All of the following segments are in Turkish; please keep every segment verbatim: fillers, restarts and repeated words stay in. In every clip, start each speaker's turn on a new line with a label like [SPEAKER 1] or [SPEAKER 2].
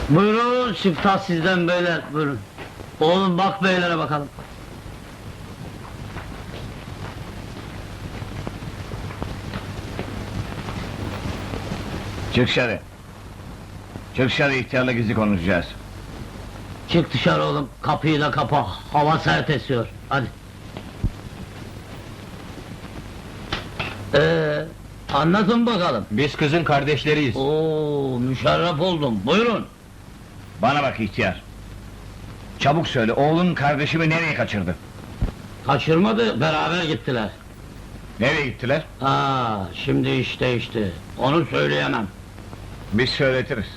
[SPEAKER 1] Buyurun, siftah sizden beyler, buyurun. Oğlum bak beylere bakalım.
[SPEAKER 2] Çık dışarı. Çık dışarı, ihtiyarla gizli konuşacağız.
[SPEAKER 1] Çık dışarı oğlum, kapıyı da kapa, hava sert esiyor, hadi. Ee, anlatın bakalım.
[SPEAKER 3] Biz kızın kardeşleriyiz.
[SPEAKER 1] Oo, müşerref oldum, buyurun.
[SPEAKER 2] Bana bak ihtiyar. Çabuk söyle, oğlun kardeşimi nereye kaçırdı?
[SPEAKER 1] Kaçırmadı, beraber gittiler.
[SPEAKER 2] Nereye gittiler?
[SPEAKER 1] Ha, şimdi iş değişti, onu söyleyemem.
[SPEAKER 2] Biz söyletiriz.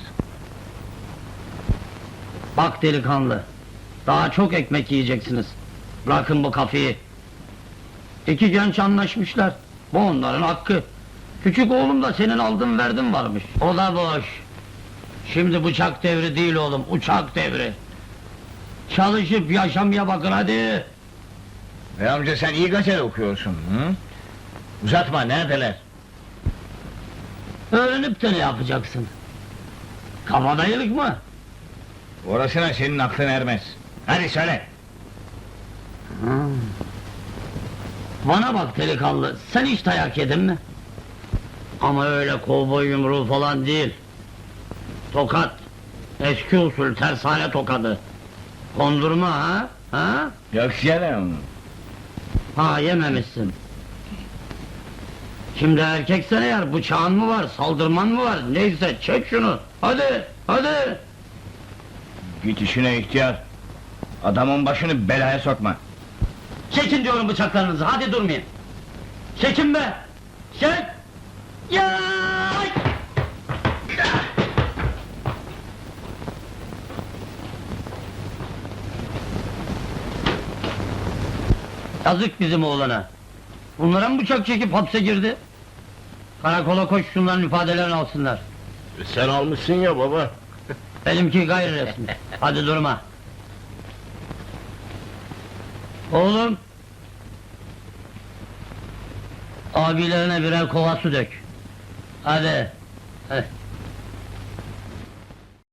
[SPEAKER 1] Bak delikanlı, daha çok ekmek yiyeceksiniz. Bırakın bu kafeyi. İki genç anlaşmışlar, bu onların hakkı. Küçük oğlum da senin aldın verdin varmış. O da boş. Şimdi bıçak devri değil oğlum, uçak devri. Çalışıp yaşamaya bakın hadi.
[SPEAKER 2] Ve amca sen iyi gazete okuyorsun, hı? Uzatma, neredeler?
[SPEAKER 1] Öğrenip de ne yapacaksın? Kabadayılık mı?
[SPEAKER 2] Orasına senin aklın ermez. Hadi söyle!
[SPEAKER 1] Bana bak delikanlı, sen hiç dayak yedin mi? Ama öyle kovboy yumruğu falan değil. Tokat, eski usul tersane tokadı. Kondurma ha? Ha?
[SPEAKER 2] Yok canım!
[SPEAKER 1] Ha, yememişsin. Şimdi erkeksen eğer bıçağın mı var, saldırman mı var, neyse çek şunu, hadi, hadi!
[SPEAKER 2] Git işine ihtiyar! Adamın başını belaya sokma!
[SPEAKER 1] Çekin diyorum bıçaklarınızı, hadi durmayın! Çekin be! Çek! Ya! Yazık bizim oğlana! Bunlara mı bıçak çekip hapse girdi? Karakola koş, şunların ifadelerini alsınlar.
[SPEAKER 3] Sen almışsın ya baba.
[SPEAKER 1] Benimki gayri resmi. Hadi durma. Oğlum! Abilerine birer kova su dök. Hadi. Hadi.